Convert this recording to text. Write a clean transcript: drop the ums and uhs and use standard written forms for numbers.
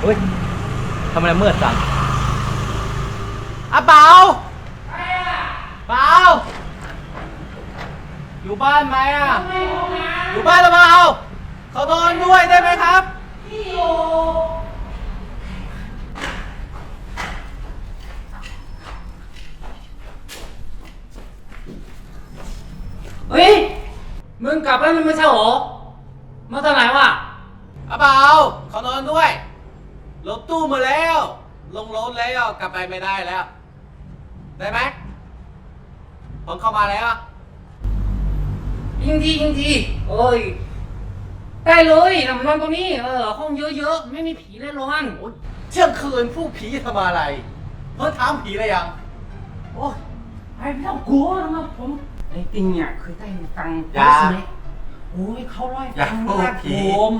เฮ้ยทำไมมืดจังเปาเปาอยู่บ้านไหมอยู่บ้านหรือเปล่าเขานอนด้วยได้ไหมครับเฮ้ยมึงกลับแล้วมึงไม่ใช่หรอมาตอนไหนวะเปาเขานอนด้วยรถตู้มาแล้วลงรถแล้วกลับไปไม่ได้แล้วได้ไหมผมเข้ามาแล้วยิงทีเอ้ยได้เลยนอนตรงนี้ห้องเยอะๆไม่มีผีแน่นอนเที่ยงคืนผู้ผีทำอะไรเพิ่งถามผีอะไรยังโอ้ยไม่ต้องกลัวนะครับผมไอ้ติงเนี่ยเคยได้ตังค์อย่าโอ้ยเขาร้อยอย่าตังค์พูดนะผีผม